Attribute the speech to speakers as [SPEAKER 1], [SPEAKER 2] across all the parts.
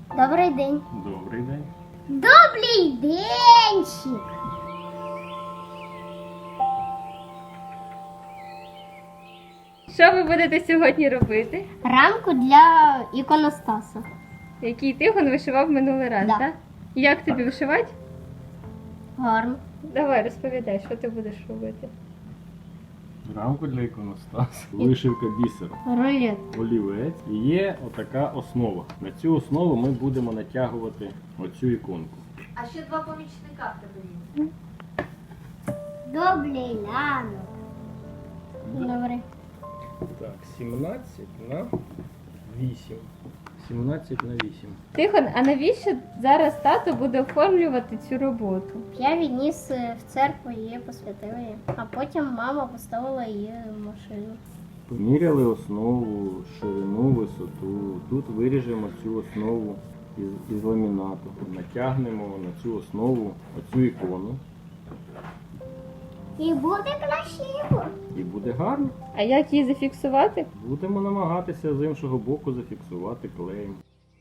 [SPEAKER 1] Добрий день.
[SPEAKER 2] Добрий день.
[SPEAKER 1] Добрий денчик.
[SPEAKER 3] Що ви будете сьогодні робити?
[SPEAKER 1] Рамку для іконостаса.
[SPEAKER 3] Який Тихон вишивав минулий раз,
[SPEAKER 1] Да.
[SPEAKER 3] так? Як тобі вишивати?
[SPEAKER 1] Гарно.
[SPEAKER 3] Давай, розповідай, що ти будеш робити.
[SPEAKER 2] Рамку для іконостасу. Вишивка бісером.
[SPEAKER 1] Рулет.
[SPEAKER 2] Олівець. І є отака основа. На цю основу ми будемо натягувати оцю іконку.
[SPEAKER 4] А ще два помічника в тебе є.
[SPEAKER 1] Добрий ранок. Добрий.
[SPEAKER 2] Так, 17 на 8. 17 на 8.
[SPEAKER 3] Тихон, а навіщо зараз тато буде оформлювати цю роботу?
[SPEAKER 1] Я відніс в церкву, її посвятили. А потім мама поставила її в машину.
[SPEAKER 2] Поміряли основу, ширину, висоту. Тут виріжемо цю основу із ламінату. Натягнемо на цю основу оцю ікону.
[SPEAKER 1] І буде красиво.
[SPEAKER 2] І буде гарно.
[SPEAKER 3] А як її зафіксувати?
[SPEAKER 2] Будемо намагатися з іншого боку зафіксувати клеєм.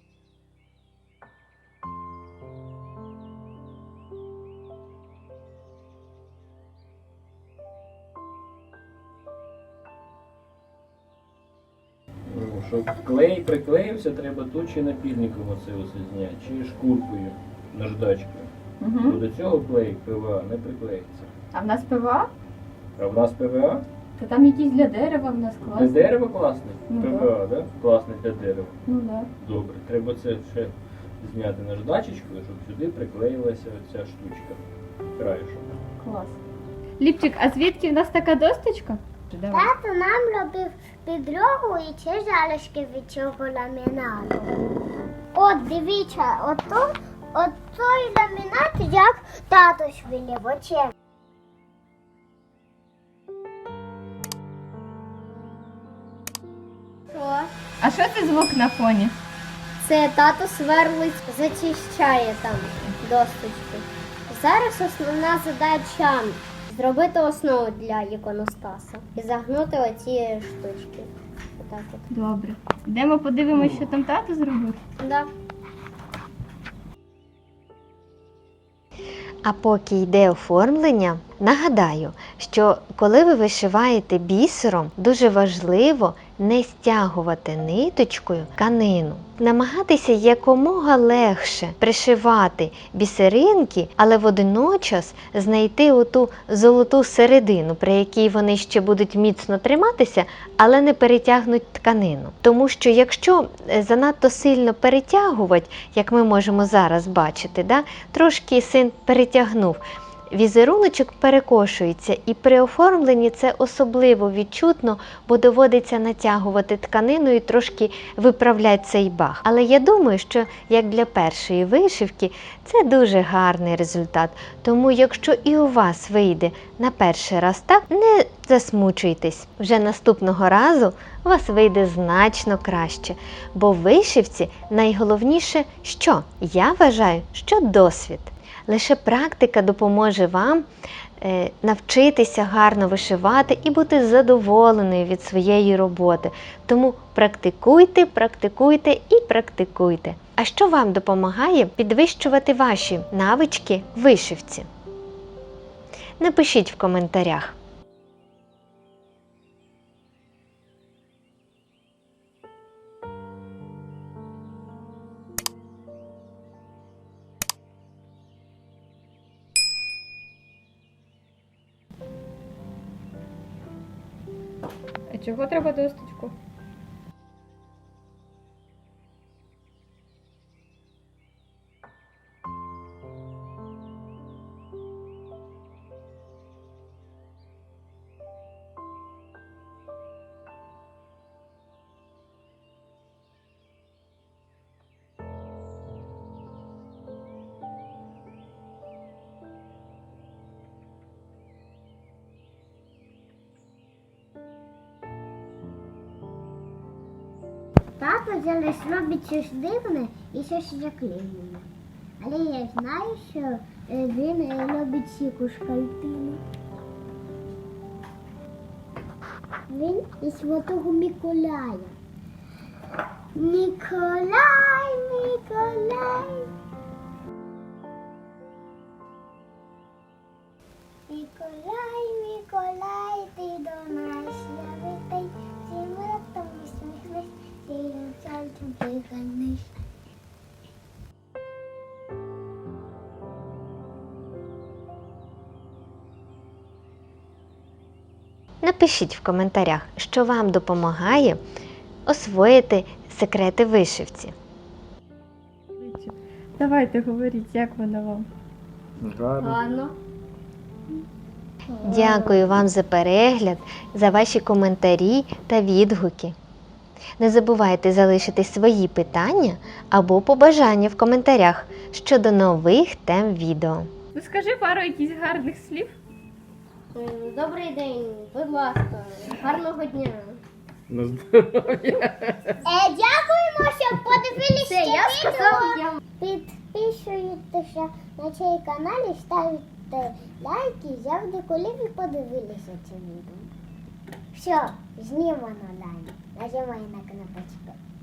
[SPEAKER 2] Щоб клей приклеївся, треба тут чи напільником оце зняти, чи шкуркою, наждачкою.
[SPEAKER 3] Угу.
[SPEAKER 2] До цього клей ПВА не приклеїться.
[SPEAKER 3] А в нас ПВА?
[SPEAKER 2] А в нас ПВА?
[SPEAKER 3] Та там якісь для дерева в нас
[SPEAKER 2] Для
[SPEAKER 3] класні.
[SPEAKER 2] дерева класний?
[SPEAKER 3] Ну,
[SPEAKER 2] ПВА, да? Класний для дерева.
[SPEAKER 3] Ну да.
[SPEAKER 2] Добре, треба це ще зняти наждачечкою, щоб сюди приклеїлася оця штучка. Краєшок.
[SPEAKER 3] Клас. Ліпчик, а звідки в нас така досточка? Давай.
[SPEAKER 1] Тато нам робив підлогу і ці залишки від цього ламінату. От дивіться, от той ламінат, як тато швилів очем. Що?
[SPEAKER 3] А що це звук на фоні?
[SPEAKER 1] Це тато сверлить, зачищає там досточки. Зараз основна задача зробити основу для іконостаса і загнути оці штучки. Отак от.
[SPEAKER 3] Добре. Йдемо подивимося, що там тато зробив.
[SPEAKER 1] Да.
[SPEAKER 5] А поки йде оформлення, нагадаю, що коли ви вишиваєте бісером, дуже важливо не стягувати ниточкою тканину. Намагатися якомога легше пришивати бісеринки, але водночас знайти оту золоту середину, при якій вони ще будуть міцно триматися, але не перетягнуть тканину. Тому що якщо занадто сильно перетягувати, як ми можемо зараз бачити, трошки син перетягнув, візеруночок перекошується, і при оформленні це особливо відчутно, бо доводиться натягувати тканину і трошки виправляти цей баг. Але я думаю, що як для першої вишивки це дуже гарний результат. Тому якщо і у вас вийде на перший раз так, не засмучуйтесь. Вже наступного разу у вас вийде значно краще. Бо в вишивці найголовніше що? Я вважаю, що досвід. Лише практика допоможе вам навчитися гарно вишивати і бути задоволеною від своєї роботи. Тому практикуйте, практикуйте і практикуйте. А що вам допомагає підвищувати ваші навички в вишивці? Напишіть в коментарях.
[SPEAKER 3] А чого треба досточку?
[SPEAKER 1] Тато зараз робить щось дивне і щось заклеєне. Але я знаю, що він робить сіку шкальтину. Він із Святого Миколая. Миколай, Миколай.
[SPEAKER 5] Напишіть в коментарях, що вам допомагає освоїти секрети вишивці.
[SPEAKER 3] Давайте говоріть, як воно вам?
[SPEAKER 2] Гарно.
[SPEAKER 1] Гарно.
[SPEAKER 5] Дякую вам за перегляд, за ваші коментарі та відгуки. Не забувайте залишити свої питання або побажання в коментарях щодо нових тем відео.
[SPEAKER 3] Ну скажи пару якихось гарних слів.
[SPEAKER 1] Добрий день, будь ласка, гарного дня.
[SPEAKER 2] На здоров'я.
[SPEAKER 1] Дякуємо, що подивилися відео. Підписуйтеся на цей канал і ставте лайки завжди, коли ви подивилися це відео. Все, знімано далі. Нажимай на кнопочку.